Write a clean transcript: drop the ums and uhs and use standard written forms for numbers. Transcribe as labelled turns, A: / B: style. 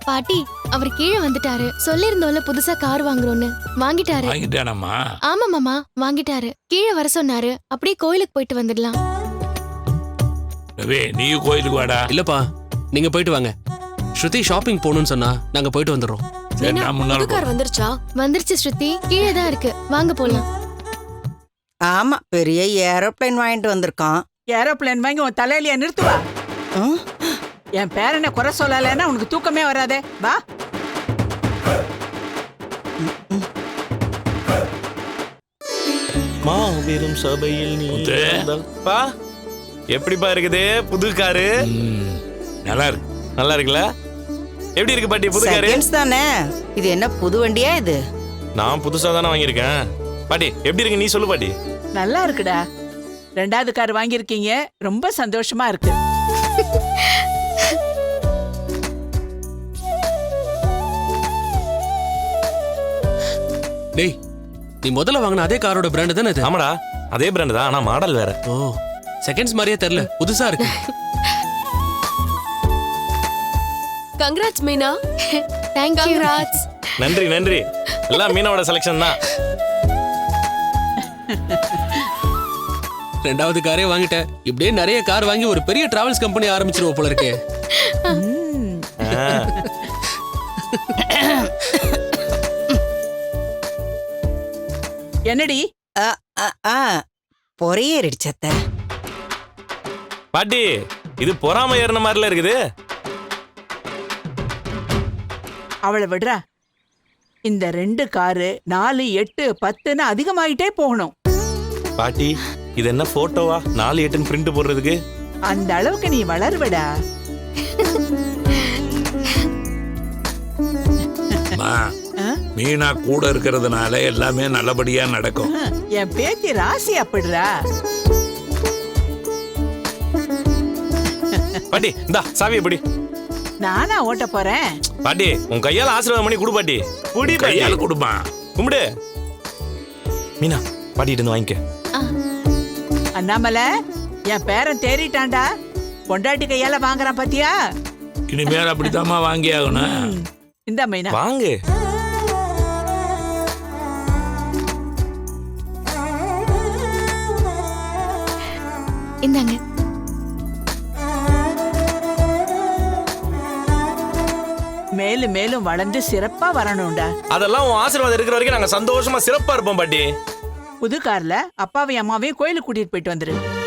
A: பாட்டி அவர் கீழே வந்துட்டாரு. சொல்லிருந்தோம்ல புதுசா கார் வாங்குறோம்னு. வாங்கிட்டாரு.
B: வாங்கிட்டானம்மா?
A: ஆமா மாமா வாங்கிட்டாரு. கீழே வர சொன்னாரு. அப்படியே கோயிலுக்கு போயிட்டு வந்துடலாம்.
B: ரவி நீ கோயிலுக்கு வாடா.
C: இல்லப்பா நீங்க போயிட்டு வாங்க. ஸ்ருதி ஷாப்பிங் போகணும்னு சொன்னா நாங்க போயிட்டு வந்துடுறோம்.
B: சரி நான் முன்னால
D: கார் வந்துருச்சா?
A: வந்துருச்சு ஸ்ருதி, கீழே தான் இருக்கு. வாங்க போலாம்.
E: ஆமா, பெரிய ஏரோப்ளேன் வாங்கிட்டு வந்திருக்கான்.
F: ஏரோப்ளேன் வாங்கி உன் தலையில நிறுத்துவா. என் பேரனை குறை சொல்லலைன்னா உனக்கு தூக்கமே வராதே. வா.
G: மாபெரும் சபையில் நீ பா எப்படிப்பா இருக்குது புது காரு?
B: நல்லா இருக்கு.
G: நல்லா இருக்குல்ல? எப்படி இருக்கு பாட்டி புது காரு?
E: செகண்ட்ஸ் தானே. இது என்ன புது வண்டியா இது?
G: நான் புதுசா தானே வாங்கியிருக்கேன். பாட்டி எப்படி இருக்கு நீ சொல்லு பாட்டி.
F: நல்லா இருக்குடா. ரெண்டாவது கார் வாங்கியிருக்கீங்க, ரொம்ப சந்தோஷமா இருக்கு.
C: டேய் நீ முதல்ல வாங்கின அதே காரோட பிராண்ட் தானே இது?
G: ஆமாடா அதே பிராண்ட் தான், ஆனா மாடல் வேற.
C: ஓ செகண்ட்ஸ் மாதிரியே தெரியல, புதுசா இருக்கு.
D: Congrats Meena.
A: Thank you.
D: Congrats.
G: நன்றி நன்றி. எல்லாம் மீனோட செலக்ஷன் தான்.
C: ரெண்டாவது காரே வாங்கிட்டேன். இப்படியே நிறைய கார் வாங்கி ஒரு பெரிய டிராவல்ஸ் கம்பெனி ஆரம்பிச்சிருவோம் போல இருக்கே.
F: என்னடி
E: பொறையேறிடுச்சத்த.
G: பாட்டி இது பொறாம ஏறின மாதிரில இருக்குது.
F: அவளை விடுறா. இந்த 2 காரு 4, 8, 10ன்னு அதிகமாயிட்டே போகணும்.
G: பாட்டி இது என்ன போட்டோவா 4, 8 பிரிண்ட் போடுறதுக்கு?
F: அந்த அளவுக்கு நீ வளருவடா.
B: மீனா கூட இருக்கிறதுனால எல்லாமே நல்லபடியா நடக்கும்.
F: என் பேத்தி ராசி அப்படிடா.
G: பாட்டி இந்தா சாவி எப்படி?
F: நானா ஓட்ட போறேன்?
G: பாட்டி உன் கையால ஆசீர்வாதம் பண்ணி கொடு பாட்டி. குடி
B: கையால கொடுமா.
G: கும்பிடு. மீனா பாட்டி இருந்து வாங்கிக்க.
F: அண்ணாமலை என் பேரன் தேறிட்டான்டா. பொண்டாட்டி கையால வாங்குறான் பாத்தியா?
B: இனிமேல் அப்படித்தாம்மா வாங்கி ஆகணும்.
F: இந்த மீனா
G: வாங்கு.
A: இந்தாங்க.
F: மேலும் மேலும் வளர்ந்து சிறப்பா வரணும்டா.
G: அதெல்லாம் உன் ஆசீர்வாதம் இருக்கிற வரைக்கும் நாங்க சந்தோஷமா சிறப்பா இருப்போம் பாட்டி.
F: புது கார்ல அப்பாவையும் அம்மாவையும் கோயிலுக்கு கூட்டிட்டு போயிட்டு வந்துரு.